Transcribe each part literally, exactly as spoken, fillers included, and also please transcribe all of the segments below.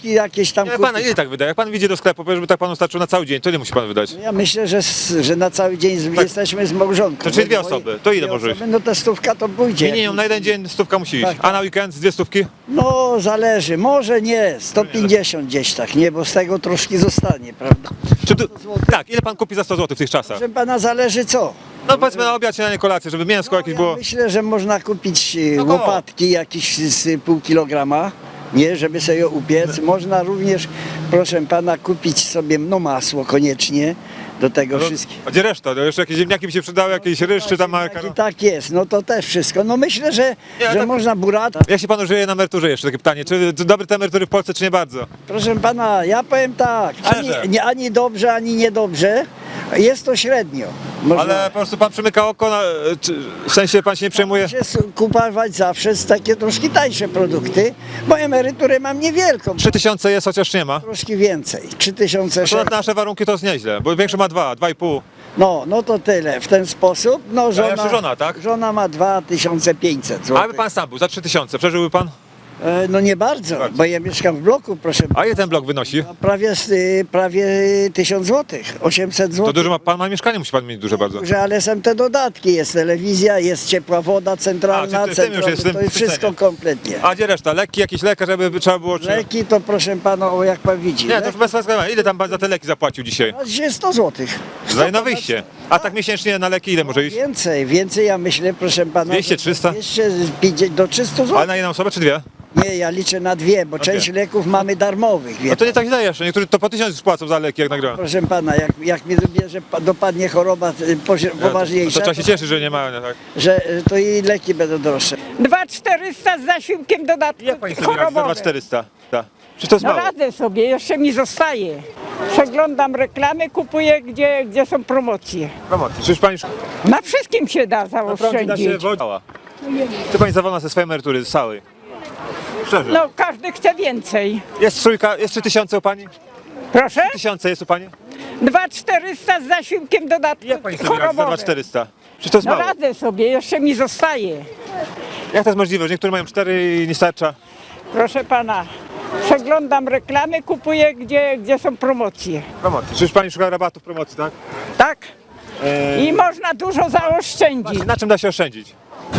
groszki jakieś tam Nie, kupić. pana ile tak wydaje? Jak pan wyjdzie do sklepu, żeby tak panu starczyło na cały dzień, to ile musi pan wydać? Ja myślę, że, s- że na cały dzień z, Tak. jesteśmy z małżonką. To czyli dwie Bo moje- osoby. To ile dwie może osoby, No to stówka to pójdzie. Minimum na jeden dzień stówka musi iść. Tak, A na weekend z dwie stówki? No zależy, może nie, sto pięćdziesiąt gdzieś tak, nie, bo z tego troszkę zostanie, prawda? Czy tu... Tak, ile pan kupi za sto złotych w tych czasach? Proszę pana, zależy co. No powiedzmy na obiad, śniadanie, kolację, żeby mięsko jakieś Ja było. myślę, że można kupić e, No koło. łopatki jakieś z pół kilograma, nie, żeby sobie je upiec. Można również, proszę pana, kupić sobie no masło koniecznie do tego wszystkiego. A gdzie reszta? No jeszcze jakieś ziemniaki by się przydały, jakieś ryż czy tam Jak makaron. i tak jest, no to też wszystko. No myślę, że, Nie, że tak- można burata. Jak się panu żyje na emeryturze jeszcze takie pytanie? Czy czy dobre te emerytury w Polsce, czy nie bardzo? Proszę pana, ja powiem tak, Szczerze. ani, nie, ani dobrze, ani niedobrze. Jest to średnio. Można Ale po prostu pan przymyka oko, na, czy, w sensie pan się nie przejmuje? się s- kupować zawsze z takie troszkę tańsze produkty, bo emeryturę mam niewielką. trzy tysiące jest, chociaż nie ma. Troszkę więcej, trzy tysiące To sześćset. na nasze warunki to jest nieźle, bo większy ma dwa, dwa i pół. No, no to tyle. W ten sposób, no żona, jeszcze żona, tak? żona ma dwa tysiące pięćset A złotych. jakby pan sam był, za trzy tysiące, przeżyłby pan? E, No nie bardzo, bo ja mieszkam w bloku, proszę. A ile ten blok wynosi? Prawie, z- y, prawie tysiąc złotych, osiemset To złotych. dużo ma pan, ma mieszkanie, musi pan mieć duże bardzo. Że, ale są te dodatki, jest telewizja, jest ciepła woda centralna, A, czy ty- tym już centralna, jest w tym to jest wszystko systemie. kompletnie. A gdzie reszta? Leki, jakiś lekarz, żeby trzeba było... Czy... Leki to proszę pana, o, jak pan widzi, Nie, to leki, już bez względu. Ile tam pan za te leki zapłacił dzisiaj? to jest sto złotych. Za na wyjście. A tak miesięcznie na leki ile może iść? Więcej, więcej ja myślę, proszę pana. dwieście, trzysta? dwieście pięćdziesiąt do trzystu Ale złotych. na jedną osobę czy dwie? Nie, ja liczę na dwie, bo część dwie. leków mamy darmowych, wie No to nie pan. tak źle jeszcze. Niektórzy to po tysiąc już płacą za leki, jak nagrałem. Proszę pana, jak, jak mnie dobierze, pa- dopadnie choroba y, pozi- To poważniejsza, trzeba się cieszyć, że nie mają, nie, tak? że y, to i leki będą droższe. dwa czterysta z zasiłkiem dodatku Jak pani sobie radzi za dwa chorobowym. czterysta? Tak. Czy to jest No mało? radzę sobie, jeszcze mi zostaje. Przeglądam reklamy, kupuję gdzie, gdzie są promocje. Promocji. Czyż pani Na wszystkim się da naprawdę da się zaoszczędzić. wodziła? Czy pani zawolna ze swojej emerytury, z całej? Szczerze. No każdy chce więcej. Jest trójka, jest trzy tysiące u pani? Proszę? Tysiące jest u pani? dwa czterysta z zasiłkiem dodatku Jak pani sobie radzi za dwa chorobowym. czterysta? Czy to jest No mało? radzę sobie, jeszcze mi zostaje. Jak to jest możliwe, że niektórzy mają cztery i nie starcza? Proszę pana, przeglądam reklamy, kupuję gdzie, gdzie są promocje. Promocji. Czyż pani szuka rabatów promocji, tak? Tak? Eee, I można dużo zaoszczędzić. na czym da się oszczędzić?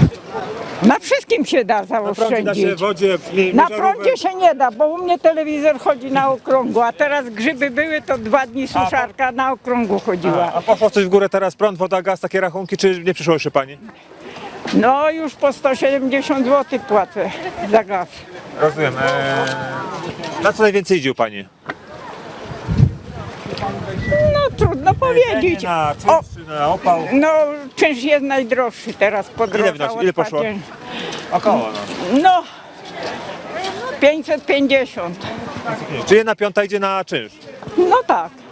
Na wszystkim się da Na prądzie da się, zaoszczędzić. wodzie, mi- Na miżarówce. prądzie się nie da, bo u mnie telewizor chodzi na okrągło, a teraz grzyby były, to dwa dni suszarka na okrągło chodziła. A poszło coś w górę teraz, prąd, woda, gaz, takie rachunki, czy nie przyszło jeszcze pani? No już po sto siedemdziesiąt złotych płacę za gaz. Rozumiem. Eee, na co najwięcej idzie u pani? No trudno powiedzieć. Na O, czynsz, czy na opał? no czynsz jest najdroższy teraz podrożał. wynosi? Ile poszło? ostatnio. Około, no. No pięćset pięćdziesiąt. Czy jedna piąta idzie na czynsz? No tak.